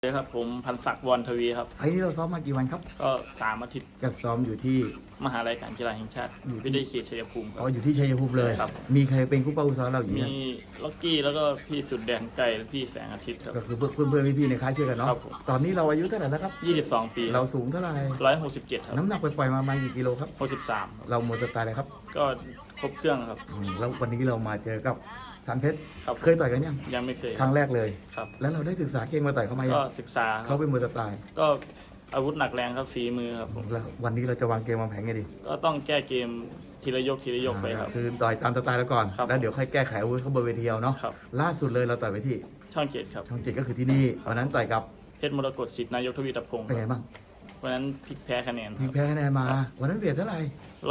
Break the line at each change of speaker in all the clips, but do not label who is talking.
เลยครับผมพันศักดิ์วรทวีครับ
ไฟล์นี้เราซ้อมมากี่วันครับ
ก็3 อาทิตย์
ก็ซ้อมอยู่ที่
มหาลัยการกีฬาแห่งชาติวิทยาเขตชัยภูมิครั
อ๋อบอยู่ที่ชัยภูมิเลย
ครับ
มีใครเป็นคู่เป้าคู่ซ้อมเราอยู่
มี
นะ
ล็อกกี้แล้วก็พี่สุดแดนไก่และพี่แสงอาทิตย์ครับ
ก็คือเพื่อนพี่ๆในค่ายช่วยกันเนาะ
ครับผม
ตอนนี้เราอายุเท่าไหร่แล้วครับ
22 ปี
เราสูงเท่าไหร่
167ครับ
น้ำหนักปล่อยๆมาประมาณกี่กิโลครับ
63ครับ
เราหมดสไตล์เลยครับ
ก็ครบเครื่องครับ
แล้ววันนี้เรามาเจอกับสันเพชร
ครับ
เคยต่อยกัน
ยังไม่เคย
ครั้งแรกเลย
ครับ
แล้วเราได้ศึกษาเก่งมาต่อยเขามายั
ก็
ง
ศึกษา
เขาเป็นมวยสไตล์
ก็อาวุธหนักแรงครับฝีมือครับผม
แล้ววันนี้เราจะวางเกมวางแผนไงดี
ก็ต้องแก้เกมทีละยกไปครับ
คือต่อยตามสไตล์แล้วก่อน
ครับ
แล้วเดี๋ยวค่อยแก้ไขอาวุธเขาบนเวทีเอาเนาะ
ครับ
ล่าสุดเลยเราต่อยไปที่
ช่อง7ครับ
ช่องเจ็ดก็คือที่นี่วันนั้นต่อยกับ
เพชรมรกตสิทธิ์นายกทวีตพงศ์
เป็นไงบ้าง
วันนั้นพลิกแพ้คะแนน
มีแพ้คะแนนมาวันนั้นเวทเท่าไหร่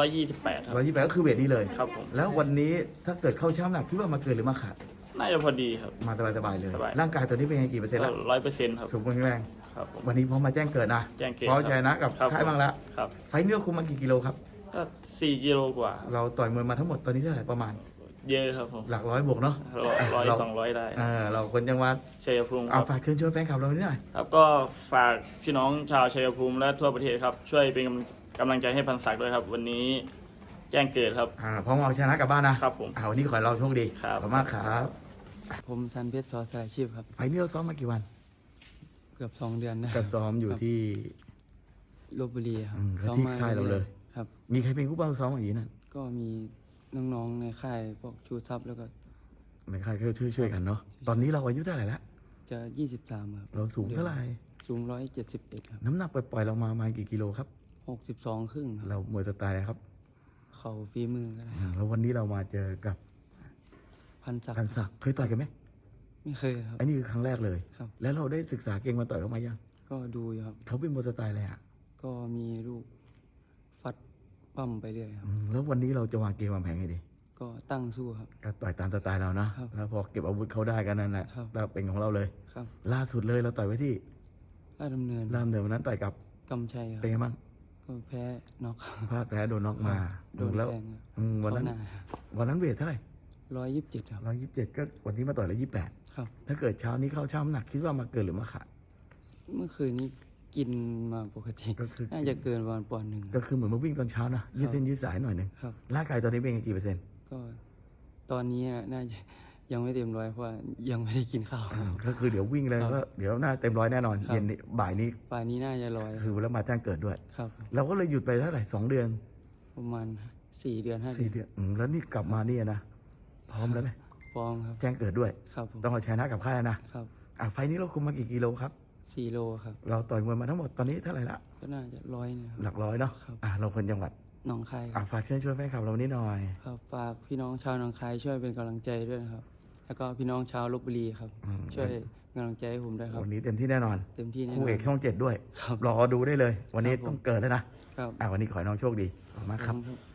128ครับ
128ก็คือเวทนี้เลย
ครับผม
แล้ววันนี้ถ้าเกิดเข้าช่างหนักคิดว่ามาเกินหรือมาขาด
น่าจะพอดีครับ
มาสบายๆเลย
สบาย
ร่างกายตัวนี้เป็นไงกี่เปอร์เซ็นต์แล้ว
100%ครับ
สูงแข็งแรง
ครับผม
วันนี้พร้อมมาแจ้งเกิดนะ
แจ้งเกิด
พร้อมชนะกับ
ครับ
ค่ายบ้างแล้ว
ครับ
ไฟล์นี้เราคุมมากี่กิโลครับ
ก็4 กิโลกว่า
เราต่อยมวยมาทั้งหมดตอนนี้เท่าไหร่ประมาณ
เยอะครับผม
หลักร้อยบวกเนาะ
100 200ได้
เราคนจังหวัด
ชัยภูมิค
เอา
รับ
ฝากเชิญชวนแฟนคลับเราหน่อย
ครับก็ฝากพี่น้องชาวชัยภูมิและทั่วประเทศครับช่วยเป็นกำลังใจให้พันศักดิ์ด้วยครับวันนี้แจ้งเกิดครับ
พร้อมเอาชนะกลับบ้านนะครับ
ผม
วันนี้ขอให้เราโชคดี
ครับ
ขอบคุณมากครับ
ผมสันเพชรสอสลายชีพครับ
ไฟล์นี้เราซ้อมมากี่วัน
เกือบ2 เดือนนะ
ก็ซ้อมอยู่ที่
ลพบุรีครับ
แล้วที่ค่ายเราเลย
ครับ
มีใครเป็นคู่เป้าซ้อมอย่างนี้นั่น
ก็มีน้องๆในค่ายพวกชูทัพแล้วก็
ในค่ายก็ช่วยกันเนาะตอนนี้เราอายุเท่าไหร่แล้ว
จะ23ครับ
เราสูงเท่าไหร่
สูง171ครับ
น้ำหนักปล่อยๆเรามาประมาณกี่กิโลครับ
62ครึ่งครับ
เรามวยสไตล์อะไรครับ
เข่าฝีมือก็ได้
แล้ววันนี้เรามาเจอกับ
พันศักดิ์
เคยต่อยกันไหม
ไม่เคยครับ
อันนี้คือครั้งแรกเลย
ครับ
แล้วเราได้ศึกษาเก่งมาต่อยเขามายัง
ก็ดูอยู่ครับ
เขาเป็นมวยสไตล์อะไรอ่ะ
ก็มีลูกฟัดปั้มไปเรื่อยครับ
แล้ววันนี้เราจะวางเกมวางแผนไงดี
ก็ตั้งสู้ครับ
ก็ต่อยตามสไตล์เรานะครับแล้วพอเก็บอาวุธเขาได้กันนั่นแหละเราเป็นของเราเลย
ครับ
ล่าสุดเลยเราต่อยไว้ที่
ราชดำเนิน
วันนั้นต่อยกับ
กำชัยครับ
เป็นไงบ้าง
ก็แพ้น็อก
พลาดแพ้โดนน็อกมา
โดน
แล้ว
แทง
วันนั้นเวทเท่าไหร่
127ครับ
127ก็วันนี้มาต่อย128
ครับ
ถ้าเกิดเช้านี้เข้าช่างน้ำหนักคิดว่ามาเกินหรือมาขาด
เมื่อคืนนี้กินมาปกติ
ก็คือ
น่าจะเกินวันปอนด์หนึ่ง
ก็คือเหมือนมาวิ่งตอนเช้านะยืดเส้นยืดสายหน่อยนึง
ครับ
ร่างกายตอนนี้เป็นกี่เปอร์เซ็นต์
ก็ตอนนี้น่าจะยังไม่เต็มร้อยเพราะยังไม่ได้กินข้าว
ก็คือเดี๋ยววิ่งเลยก็เดี๋ยวน่าเต็มร้อยแน่นอนเย็นนี้บ่ายนี้
น่าจะร้อย
คือแล้วมาแจ้งเกิดด้วย
ครับ
เราก็เลยหยุดไปเท่าไหร่2 เดือน
ประมาณ4 เดือน5 เดือน
แล้วนี่กลับมานี่นะพร้อมแล้วไหม
พร้อมครับ
แจ้งเกิดด้วย
ครับ
ต้องเอาชนะกับค่ายนะครับไฟนี้เราคุมมากี่กิโลครับ
4 โลครับ
เราต่อยมวยมาทั้งหมดตอนนี้เท่าไหร่ละ
ก็น่าจะ100นะ
หลักร้อยเนาะเราคนจังหวัด
หนองคาย
ฝากเชิญชวนแฟนคลับเรานี้หน่อย
ครับฝากพี่น้องชาวหนองคายช่วยเป็นกำลังใจด้วยนะครับแล้วก็พี่น้องชาวลพบุรีครับช่วยกำลังใจให้ผมด้วยครับ
วันนี้เต็มที่แน่นอน
เต็มที่แน่นอน
คู่เอกช่อง7ด้วยรอดูได้เลยวันนี้ต้องเกิดแล้วนะครับวันนี้ขอให้น้องโชคดีขอบคุณมากครับ